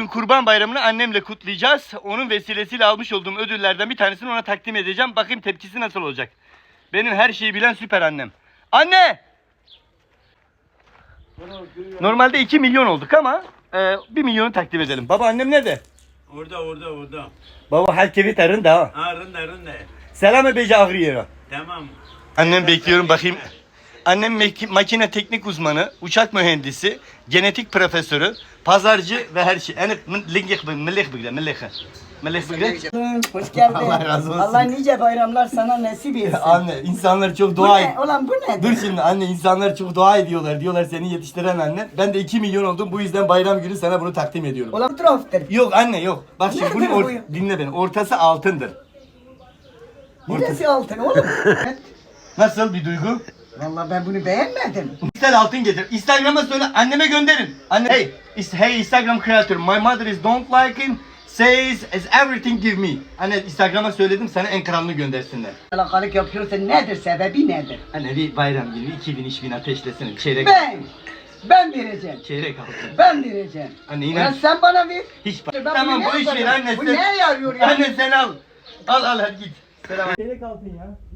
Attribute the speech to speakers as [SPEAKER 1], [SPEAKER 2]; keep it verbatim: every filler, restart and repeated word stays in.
[SPEAKER 1] Kurban Bayramı'nı annemle kutlayacağız. Onun vesilesiyle almış olduğum ödüllerden bir tanesini ona takdim edeceğim. Bakayım tepkisi nasıl olacak. Benim her şeyi bilen süper annem. Anne! Normalde iki milyon olduk ama e, bir milyonu takdim edelim. Baba annem nerede?
[SPEAKER 2] Orada orada orada.
[SPEAKER 1] Baba herkesi tarında ha.
[SPEAKER 2] Ha rında rında.
[SPEAKER 1] Selam beyce ağrıyor.
[SPEAKER 2] Tamam.
[SPEAKER 1] Annem bekliyorum bakayım. Annem makine teknik uzmanı, uçak mühendisi, genetik profesörü, pazarcı ve her şey. Yani millik millik bile millik. Millik bile.
[SPEAKER 3] Hoş geldin.
[SPEAKER 1] Allah razı olsun.
[SPEAKER 3] Allah nice bayramlar sana nasip etsin.
[SPEAKER 1] Anne insanlar çok
[SPEAKER 3] Bu
[SPEAKER 1] dua
[SPEAKER 3] ne?
[SPEAKER 1] et.
[SPEAKER 3] Ulan bu ne?
[SPEAKER 1] Dur şimdi anne insanlar çok dua ediyorlar. Diyorlar seni yetiştiren anne. Ben de iki milyon oldum. Bu yüzden bayram günü sana bunu takdim ediyorum.
[SPEAKER 3] Ulan troftır.
[SPEAKER 1] Yok anne yok. Bak şimdi
[SPEAKER 3] Nerede
[SPEAKER 1] bunun
[SPEAKER 3] bu?
[SPEAKER 1] or- dinle beni. Ortası altındır.
[SPEAKER 3] Neresi altın oğlum?
[SPEAKER 1] Nasıl bir duygu?
[SPEAKER 3] Vallahi ben bunu beğenmedim.
[SPEAKER 1] İster altın getir. Instagram'a söyle anneme gönderin. Anne hey, is, hey Instagram creator, my mother is don't like him. Says is everything give me. Anne Instagram'a söyledim sana en kralını göndersinler.
[SPEAKER 3] Alakalık yapıyorsun nedir sebebi nedir?
[SPEAKER 1] Anne bir bayram günü iki bin üç bin ateşlesin. Çeyrek.
[SPEAKER 3] Ben. Ben vereceğim.
[SPEAKER 1] Çeyrek altın.
[SPEAKER 3] Ben vereceğim.
[SPEAKER 1] Anne inan.
[SPEAKER 3] Ulan sen bana ver.
[SPEAKER 1] Hiç
[SPEAKER 3] Ben
[SPEAKER 1] tamam
[SPEAKER 3] bunu
[SPEAKER 1] bu
[SPEAKER 3] ne
[SPEAKER 1] iş ver
[SPEAKER 3] yaparım?
[SPEAKER 1] anne
[SPEAKER 3] Bu
[SPEAKER 1] sen.
[SPEAKER 3] neye yarıyor ya?
[SPEAKER 1] Anne sen al. Al al hadi git. Selam. Çeyrek altın ya.